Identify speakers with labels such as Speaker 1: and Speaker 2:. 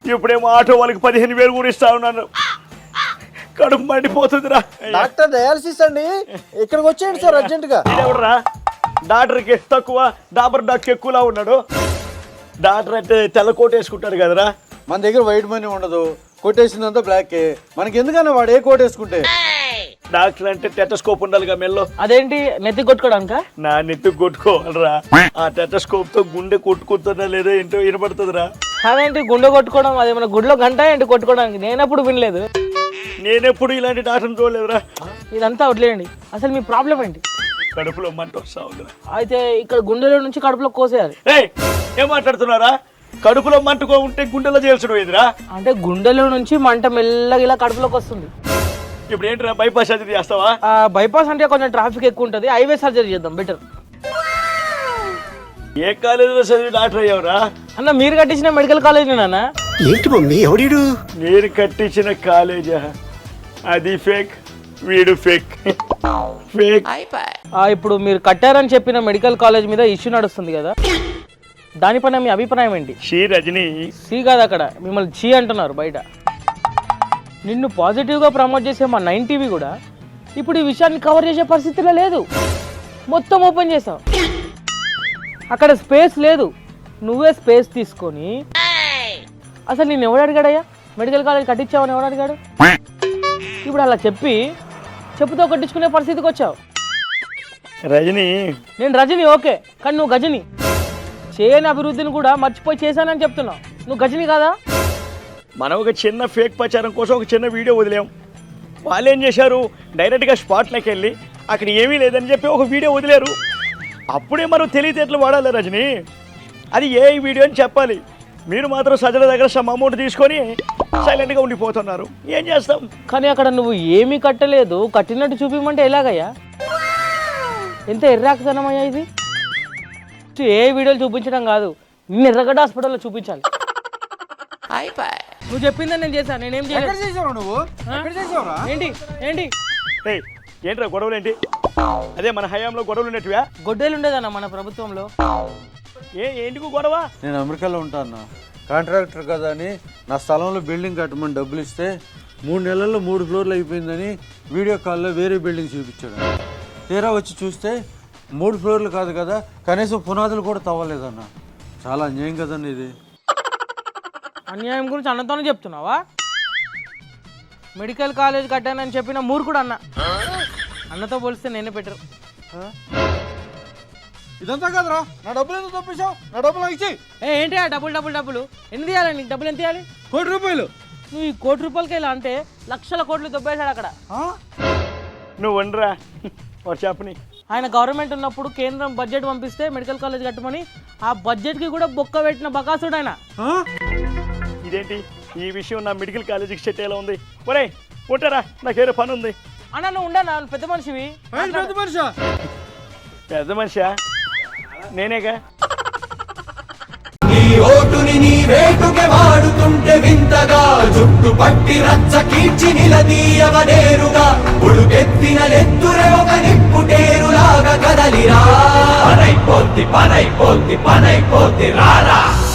Speaker 1: ఇప్పుడేమో ఆటో వాళ్ళకి 15,000 కూడా ఇస్తా ఉన్నాను. కడుపు మండిపోతుందిరా.
Speaker 2: డాక్టర్ డయాలసిస్ అండి, ఇక్కడికి వచ్చేయండి సార్ అర్జెంట్ గా.
Speaker 1: ఎవడరా డాక్టర్కి తక్కువ, డాబర్ డాక్టర్ ఎక్కువలా ఉన్నాడు. డాక్టర్ అంటే తెల్ల కోట్ వేసుకుంటాడు కదరా.
Speaker 2: మన దగ్గర వైట్ మనీ ఉండదు, కొట్టేసిందంతా బ్లాక్. మనకి ఎందుకన్నా వాడు ఏ కోట్ వేసుకుంటే.
Speaker 1: డాక్టర్ అంటే టెటస్కోప్ ఉండాలిగా మెల్లో.
Speaker 3: అదేంటి నెత్తి కొట్టుకోవడానిక?
Speaker 1: నా నెత్తి కొట్టుకోవాలరా. ఆ టెటస్కోప్ తో గుండె కొట్టుకుంటున్నా లేదో ఏంటో వినపడుతుందిరా.
Speaker 3: అదేంటి గుండె కొట్టుకోవడం? అది మన గుడిలో గంట ఏంటి కొట్టుకోవడానికి? నేనప్పుడు వినలేదు.
Speaker 1: నేనెప్పుడు ఇలాంటి డాక్టర్ని చూడలేదురా.
Speaker 3: ఇదంతా వదిలేయండి, అసలు మీ ప్రాబ్లం ఏంటి?
Speaker 1: కడుపులో మంట వస్తా ఉందిరా.
Speaker 3: అయితే ఇక్కడ గుండెలో నుంచి కడుపులో కోసేయాలి.
Speaker 1: ఏం మాట్లాడుతున్నారా? కడుపులో మంటకో ఉంటే గుండెలో చేయాల్సిన పోయిందిరా.
Speaker 3: అంటే గుండెలో నుంచి మంట మెల్లగా ఇలా కడుపులోకి వస్తుంది.
Speaker 1: ఇప్పుడు ఏంటిరా బైపాస్ సర్జరీ చేస్తావా?
Speaker 3: బైపాస్ అంటే కొంచెం ట్రాఫిక్ ఎక్కువ ఉంటుంది, హైవే సర్జరీ చేద్దాం బెటర్.
Speaker 1: ఏ కాలేజీలో చదివి డాక్టర్ అయ్యావురా?
Speaker 3: అన్న మీరు కట్టించిన మెడికల్ కాలేజ్ నాన్న.
Speaker 4: ఏంటి మమ్మీ ఎవడీడు?
Speaker 1: నేను కట్టించిన కాలేజా? అది ఫేక్, వీడు ఫేక్. ఫేక్.
Speaker 3: ఇప్పుడు మీరు కట్టారని చెప్పిన మెడికల్ కాలేజ్ మీద ఇష్యూ నడుస్తుంది కదా, దానిపైన మీ అభిప్రాయం ఏంటి?
Speaker 1: షీ రజనీ.
Speaker 3: సి కాదు, అక్కడ మిమ్మల్ని చీ అంటున్నారు బయట. నిన్ను పాజిటివ్గా ప్రమోట్ చేసే మా 9 టీవీ కూడా ఇప్పుడు ఈ విషయాన్ని కవర్ చేసే పరిస్థితిలో లేదు. మొత్తం ఓపెన్ చేసావు, అక్కడ స్పేస్ లేదు. నువ్వే స్పేస్ తీసుకొని అసలు నేను ఎవడు అడిగాడయ్యా మెడికల్ కాలేజ్ కట్టించావని ఎవడు అడిగాడు? ఇప్పుడు అలా చెప్పుతో కట్టించుకునే పరిస్థితికి వచ్చావు.
Speaker 1: రజనీ.
Speaker 3: నేను రజని ఓకే, కానీ నువ్వు గజని. చేయని అభివృద్ధిని కూడా మర్చిపోయి చేశానని చెప్తున్నావు. నువ్వు గజని కాదా?
Speaker 1: మనం ఒక చిన్న ఫేక్ ప్రచారం కోసం ఒక చిన్న వీడియో వదిలాం. వాళ్ళు ఏం చేశారు, డైరెక్ట్గా స్పాట్లోకి వెళ్ళి అక్కడ ఏమీ లేదని చెప్పి ఒక వీడియో వదిలేరు. అప్పుడే మనం తెలివితేటలు వాడాలి రజనీ. అది ఏ వీడియో అని చెప్పాలి. మీరు మాత్రం సజ్జల దగ్గర సమ్ అమౌంట్ తీసుకొని సైలెంట్గా ఉండిపోతున్నారు. ఏం చేస్తాం?
Speaker 3: కానీ అక్కడ నువ్వు ఏమీ కట్టలేదు, కట్టినట్టు చూపించమంటే ఎలాగయ్యా? ఎంత ఎర్రాకతనమయ్యా ఇది? ఏ వీడియోలు చూపించడం కాదు, నిన్ను ఎర్రగడ్డ హాస్పిటల్లో చూపించాలి. నువ్వు చెప్పిందని నేను చేశాను. నేనేం చేయలేదు.
Speaker 2: నువ్వు
Speaker 3: ఏంటి ఏంటి
Speaker 1: ఏంట్రా గొడవలు ఏంటి? అదే మన హయాంలో గొడవలు ఉన్నట్టువా?
Speaker 3: గొడ్డలు ఉండేదన్న మన ప్రభుత్వంలో.
Speaker 1: ఎందుకు గొడవ?
Speaker 2: నేను అమెరికాలో ఉంటాను, కాంట్రాక్టర్ కదా అని నా స్థలంలో బిల్డింగ్ కట్టమని డబ్బులు ఇస్తే 3 నెలల్లో 3 ఫ్లోర్లు అయిపోయిందని వీడియో కాల్లో వేరే బిల్డింగ్ చూపించాడు. తీరా వచ్చి చూస్తే 3 ఫ్లోర్లు కాదు కదా, కనీసం పునాదులు కూడా తవ్వలేదన్న. చాలా అన్యాయం కదండి ఇది.
Speaker 3: అన్యాయం గురించి అన్నతోనే చెప్తున్నావా? మెడికల్ కాలేజ్ కట్టానని చెప్పిన మూర్ఖుడు అన్న. అన్నతో పోలిస్తే నేనే పెట్టరు.
Speaker 2: ఇదంతా కదరా, నా డబ్బులు ఎందుకు తప్పించావు? నా డబ్బులు ఇచ్చి.
Speaker 3: ఏంటి ఆ డబ్బులు ఎన్ని తీయాలి నీకు? డబ్బులు ఎంత తీయాలి?
Speaker 2: 1 కోటి రూపాయలు.
Speaker 3: నువ్వు ఈ 1 కోటి రూపాయలకి ఇలా అంటే లక్షల కోట్లు దొబ్బేశాడు అక్కడ.
Speaker 1: నువ్వు వండరా చెప్పని.
Speaker 3: ఆయన గవర్నమెంట్ ఉన్నప్పుడు కేంద్రం బడ్జెట్ పంపిస్తే మెడికల్ కాలేజ్ కట్టమని ఆ బడ్జెట్కి కూడా బొక్క పెట్టిన బకాసుడు ఆయన.
Speaker 1: ఇదేంటి ఈ విషయం నా మెడికల్ కాలేజీకి సెట్ ఎలా ఉంది? ఒరే ఉంటారా, నాకేదో పని ఉంది.
Speaker 3: అన్న నువ్వు ఉండనా, పెద్ద మనిషివి.
Speaker 1: పెద్ద మనిషా? నేనేగా.
Speaker 5: నీ ఓటుని నీ వేటుకే వాడుతుంటే వింతగా, జుట్టు పట్టి రచ్చ కీర్చి నిలదీయవనేరుగా, ఉడుకెత్తిన నెత్తురే ఒక నిప్పుటేరులాగా కదలిరా. పనైపోద్ది రారా.